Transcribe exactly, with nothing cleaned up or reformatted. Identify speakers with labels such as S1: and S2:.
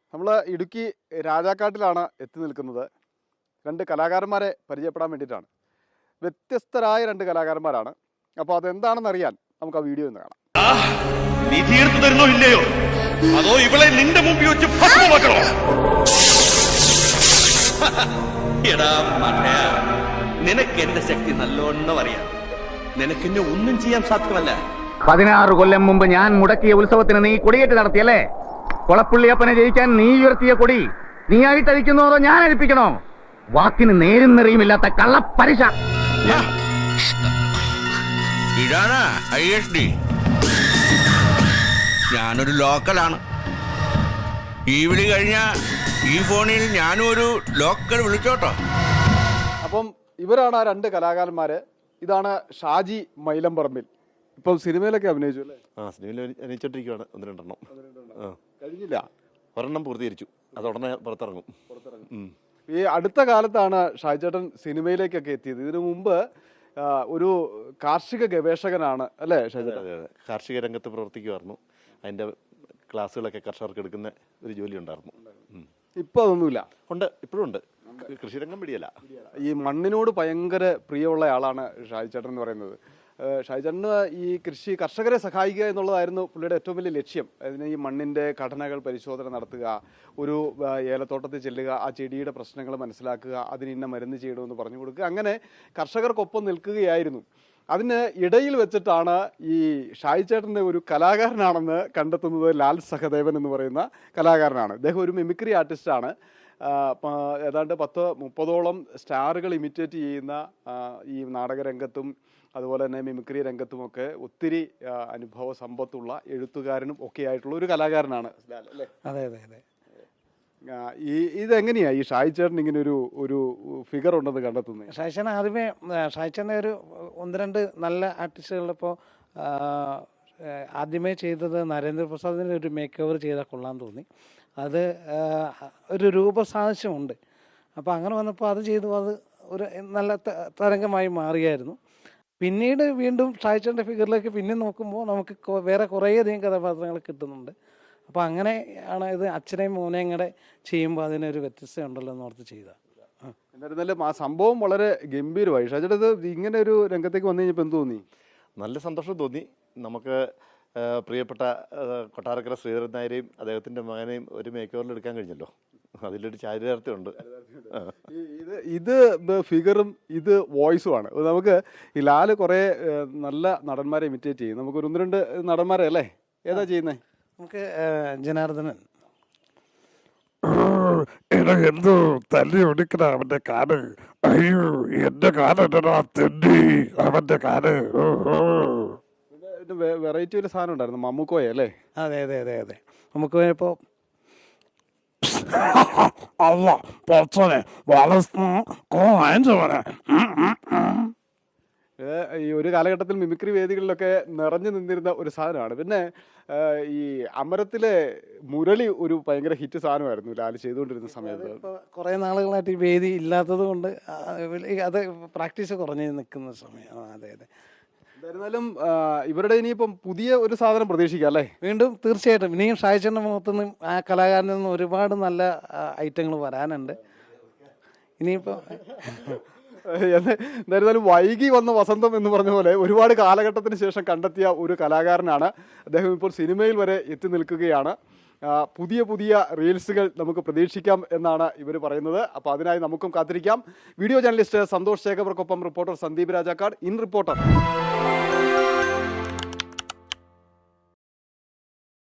S1: നമ്മൾ ഇടുക്കി രാജാക്കാട്ടിലാണ് എത്തി നിൽക്കുന്നത്. രണ്ട് കലാകാരന്മാരെ പരിചയപ്പെടാൻ വേണ്ടിയിട്ടാണ്. വ്യത്യസ്തരായ രണ്ട് കലാകാരന്മാരാണ്. അപ്പോൾ അതെന്താണെന്ന് അറിയാൻ നമുക്ക് ആ വീഡിയോ ഒന്ന് കാണാം.
S2: നീ തീർത്തു തരുന്നോ ഇല്ലയോ, അതോ ഇവളെ നിന്റെ മുമ്പിൽ വെച്ച് ഭസ്മമാക്കണോ? എടാ മടയ, നിനക്ക് എന്റെ ശക്തി നല്ലോണം അറിയാം. നിനക്കെന്നെ ഒന്നും ചെയ്യാൻ സാധ്യമല്ല.
S3: പതിനാറ് കൊല്ലം മുമ്പ് ഞാൻ മുടക്കിയ ഉത്സവത്തിന് നീ കൊടിയേറ്റ് നടത്തിയല്ലേ? കൊളപ്പുള്ളിയപ്പനെ ജയിക്കാൻ നീ ഉയർത്തിയ കൊടി നീ ആയിട്ട് അഴിക്കുന്നോ അതോ ഞാൻ അഴിപ്പിക്കണോ? വാക്കിന് നേരും നെറിയുമില്ലാത്ത കള്ളപ്പരിശ.
S2: ഇതാണ് ഐ എസ് ഡി. ഞാനൊരു ലോക്കലാണ്. ഈ വിളി കഴിഞ്ഞ ഈ ഫോണിൽ ഞാനും ഒരു ലോക്കൽ വിളിച്ചോട്ടോ.
S1: അപ്പം ഇവരാണ് ആ രണ്ട് കലാകാരന്മാർ. ഇതാണ് ഷാജി മൈലംപറമ്പിൽ. ഇപ്പം സിനിമയിലൊക്കെ അഭിനയിച്ചു അല്ലേ?
S4: ആ സിനിമയിൽ അഭിനയിച്ചോണ്ടിരിക്കുകയാണ്. ഒന്ന് രണ്ടെണ്ണം ആ
S1: കഴിഞ്ഞില്ല,
S4: ഒരെണ്ണം പൂർത്തീകരിച്ചു. അത് ഉടനെ പുറത്തിറങ്ങും.
S1: ഈ അടുത്ത കാലത്താണ് ഷാജിച്ചേട്ടൻ സിനിമയിലേക്കൊക്കെ എത്തിയത്. ഇതിനു മുമ്പ് ഒരു കാർഷിക ഗവേഷകനാണ് അല്ലേ ഷാജിച്ചേട്ടൻ?
S4: അതെ അതെ, കാർഷിക രംഗത്ത് പ്രവർത്തിക്കുമായിരുന്നു. അതിൻ്റെ ക്ലാസ്സുകളൊക്കെ കർഷകർക്ക് എടുക്കുന്ന ഒരു ജോലി ഉണ്ടായിരുന്നു.
S1: ഇപ്പം അതൊന്നുമില്ല.
S4: ഉണ്ട്, ഇപ്പോഴും ഉണ്ട്. കൃഷിരംഗം പിടിയല്ല.
S1: ഈ മണ്ണിനോട് ഭയങ്കര പ്രിയമുള്ള ആളാണ് ഷാജിച്ചേട്ടൻ എന്ന് പറയുന്നത്. ഷാജിച്ചേട്ടന് ഈ കൃഷി കർഷകരെ സഹായിക്കുക എന്നുള്ളതായിരുന്നു പുള്ളിയുടെ ഏറ്റവും വലിയ ലക്ഷ്യം. അതിന് ഈ മണ്ണിൻ്റെ ഘടനകൾ പരിശോധന നടത്തുക, ഒരു ഏലത്തോട്ടത്തിൽ ചെല്ലുക, ആ ചെടിയുടെ പ്രശ്നങ്ങൾ മനസ്സിലാക്കുക, അതിന് ഇന്ന മരുന്ന് ചെയ്യണമെന്ന് പറഞ്ഞു കൊടുക്കുക, അങ്ങനെ കർഷകർക്കൊപ്പം നിൽക്കുകയായിരുന്നു. അതിന് ഇടയിൽ വെച്ചിട്ടാണ് ഈ ഷാജിച്ചേട്ടൻ്റെ ഒരു കലാകാരനാണെന്ന് കണ്ടെത്തുന്നത്. ലാൽ സഹദേവൻ എന്ന് പറയുന്ന കലാകാരനാണ്. അദ്ദേഹം ഒരു മിമിക്രി ആർട്ടിസ്റ്റാണ്. ഏതാണ്ട് പത്ത് മുപ്പതോളം സ്റ്റാറുകൾ ഇമിറ്റേറ്റ് ചെയ്യുന്ന ഈ നാടകരംഗത്തും അതുപോലെ തന്നെ മിമിക്രി രംഗത്തുമൊക്കെ ഒത്തിരി അനുഭവ സമ്പത്തുള്ള എഴുത്തുകാരനും ഒക്കെ ആയിട്ടുള്ള ഒരു കലാകാരനാണ് ലാൽ അല്ലേ?
S5: അതെ അതെ അതെ.
S1: ഈ ഇതെങ്ങനെയാണ് ഈ ഷാജിച്ചേട്ടൻ ഇങ്ങനെ ഒരു ഒരു ഫിഗർ ഉണ്ടെന്ന് കണ്ടെത്തുന്നത്?
S5: ഷാജിച്ചേട്ടൻ ആദ്യമേ ഷാജിച്ചേട്ടൻ്റെ ഒരു ഒന്ന് രണ്ട് നല്ല ആർട്ടിസ്റ്റുകളിപ്പോൾ ആദ്യമേ ചെയ്തത് നരേന്ദ്രപ്രസാദിൻ്റെ ഒരു മേക്ക് ഓവർ ചെയ്താൽ കൊള്ളാൻ തോന്നി. അത് ഒരു രൂപസാദൃശ്യമുണ്ട്. അപ്പോൾ അങ്ങനെ വന്നപ്പോൾ അത് ചെയ്തു, അത് ഒരു നല്ല തരംഗമായി മാറിയായിരുന്നു. പിന്നീട് വീണ്ടും ഷാജിച്ചേട്ടൻ്റെ ഫിഗറിലേക്ക് പിന്നെ നോക്കുമ്പോൾ നമുക്ക് വേറെ കുറേയധികം കഥാപാത്രങ്ങൾ കിട്ടുന്നുണ്ട്. അപ്പോൾ അങ്ങനെയാണ് ഇത് അച്ഛനെയും മോനെയും കൂടെ ചെയ്യുമ്പോൾ അതിനൊരു വ്യത്യസ്തത ഉണ്ടല്ലോ എന്ന് ഓർത്ത് ചെയ്ത.
S1: എന്നിരുന്നാലും ആ സംഭവം വളരെ ഗംഭീരമായി. ഷാജിച്ചേട്ടൻ ഇത് ഇങ്ങനെ ഒരു രംഗത്തേക്ക് വന്നു കഴിഞ്ഞപ്പോൾ എന്ത് തോന്നി?
S4: നല്ല സന്തോഷം തോന്നി. നമുക്ക് പ്രിയപ്പെട്ട കൊട്ടാരക്കര ശ്രീധരൻ നായരെയും അദ്ദേഹത്തിൻ്റെ മകനെയും ഒരു മേക്ക് ഓവറിൽ എടുക്കാൻ കഴിഞ്ഞല്ലോ. അതിലൊരു ചാരിതാർത്ഥ്യമുണ്ട്.
S1: ഇത് ഇത് ഫിഗറും ഇത് വോയിസുമാണ്. നമുക്ക് ഈ ലാല് കുറേ നല്ല നടന്മാരെ ഇമിറ്റേറ്റ് ചെയ്യും. നമുക്ക് ഒരു ഒന്ന് രണ്ട് നടന്മാരെ അല്ലേ? ഏതാ ചെയ്യുന്നത്?
S5: നമുക്ക് ജനാർദ്ദനൻ.
S6: എടാ എന്തോ തല്ലി ഒടുക്കണ അവന്റെ കാല്. അയ്യോ എന്റെ കാലെടാ തെണ്ടി അവന്റെ കാല്.
S1: വെറൈറ്റി ഒരു സാധനം ഉണ്ടായിരുന്നു, മമ്മൂക്കോയ അല്ലേ?
S5: അതെ അതെ അതെ അതെ. നമുക്ക് ഇപ്പോൾ
S6: അല്ല പൊച്ചനെ വളർത്തുന്ന
S1: ഈ ഒരു കാലഘട്ടത്തിൽ മിമിക്രി വേദികളിലൊക്കെ നിറഞ്ഞു നിന്നിരുന്ന ഒരു സാധനമാണ്. പിന്നെ ഈ അമരത്തിലെ മുരളി ഒരു ഭയങ്കര ഹിറ്റ് സാധനമായിരുന്നു ലാല് ചെയ്തുകൊണ്ടിരുന്ന സമയത്ത്.
S5: കുറേ നാളുകളായിട്ട് ഈ വേദി ഇല്ലാത്തത് കൊണ്ട് അത് പ്രാക്ടീസ് കുറഞ്ഞ് നിൽക്കുന്ന സമയം. അതെ അതെ.
S1: എന്തായിരുന്നാലും ഇവരുടെ ഇനിയിപ്പം പുതിയ ഒരു സാധനം പ്രതീക്ഷിക്കാം അല്ലേ?
S5: വീണ്ടും തീർച്ചയായിട്ടും ഇനിയും ഷാജിച്ചേട്ടൻ്റെ മുഖത്തുനിന്നും ആ കലാകാരനിൽ നിന്നും ഒരുപാട് നല്ല ഐറ്റങ്ങൾ വരാനുണ്ട് ഇനിയിപ്പോൾ.
S1: എന്തായിരുന്നാലും വൈകി വന്ന വസന്തം എന്ന് പറഞ്ഞ പോലെ ഒരുപാട് കാലഘട്ടത്തിന് ശേഷം കണ്ടെത്തിയ ഒരു കലാകാരനാണ് അദ്ദേഹം. ഇപ്പോൾ സിനിമയിൽ വരെ എത്തി നിൽക്കുകയാണ്. പുതിയ പുതിയ റീൽസുകൾ നമുക്ക് പ്രതീക്ഷിക്കാം എന്നാണ് ഇവർ പറയുന്നത്. അപ്പോൾ അതിനായി നമുക്കും കാത്തിരിക്കാം. വീഡിയോ ജേർണലിസ്റ്റ് സന്തോഷ് ശേഖർക്കൊപ്പം reporter Sandeep Rajakkad, in reporter.